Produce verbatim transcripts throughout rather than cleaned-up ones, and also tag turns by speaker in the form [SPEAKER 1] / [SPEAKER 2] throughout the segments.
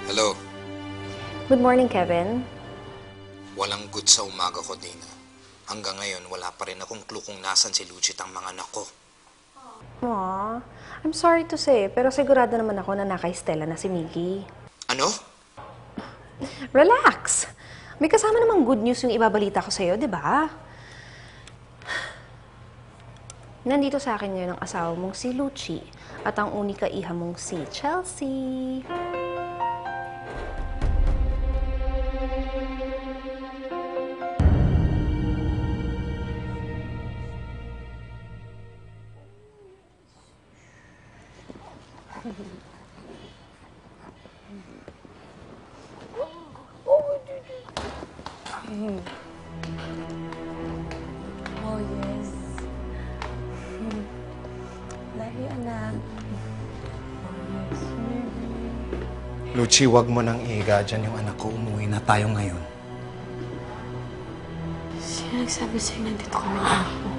[SPEAKER 1] Hello.
[SPEAKER 2] Good morning, Kevin.
[SPEAKER 1] Walang good sa umaga ko, Dina. Hanggang ngayon, wala pa rin akong clue kung nasan si Lucit ang mga anak ko.
[SPEAKER 2] Aw, I'm sorry to say, pero sigurado naman ako na nakay Stella na si Miggy.
[SPEAKER 1] Ano?
[SPEAKER 2] Relax! May kasama namang good news yung ibabalita ko sa'yo, di ba? Nandito sa akin ngayon ang asawa mong si Lucci at ang unika iha mong si Chelsea.
[SPEAKER 3] Oh, yes. Love you, anak. Oh, yes, baby.
[SPEAKER 4] Lucci, wag mo nang ihiga dyan yung anak ko. Umuwi na tayo ngayon.
[SPEAKER 3] Sino nagsabi sa'yo nandito kami ng anak mo?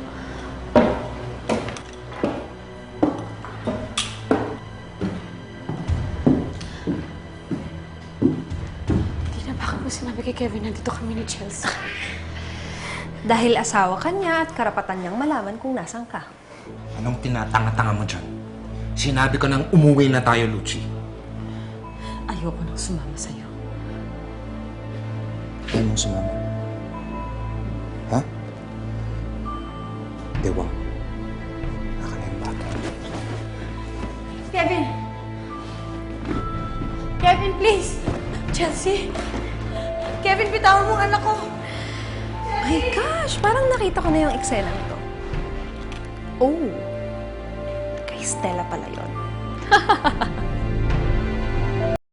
[SPEAKER 3] Hindi na baka mo sinabi kay Kevin nandito kami ni Chelsea.
[SPEAKER 2] Dahil asawa ka niya at karapatan niyang malaman kung nasan ka.
[SPEAKER 4] Anong tinatanga-tanga mo dyan? Sinabi ko nang umuwi na tayo, Lucci.
[SPEAKER 3] Ayoko nang sumama sa'yo.
[SPEAKER 4] Ayaw mong sumama? Ha? Dewa. Naka na yung bata.
[SPEAKER 3] Kevin! Kevin, please! Chelsea! Kevin, bitawan mo ang anak ko!
[SPEAKER 2] My gosh, parang nakita ko na yung eksena nito. Oh, kay Stella pala yun.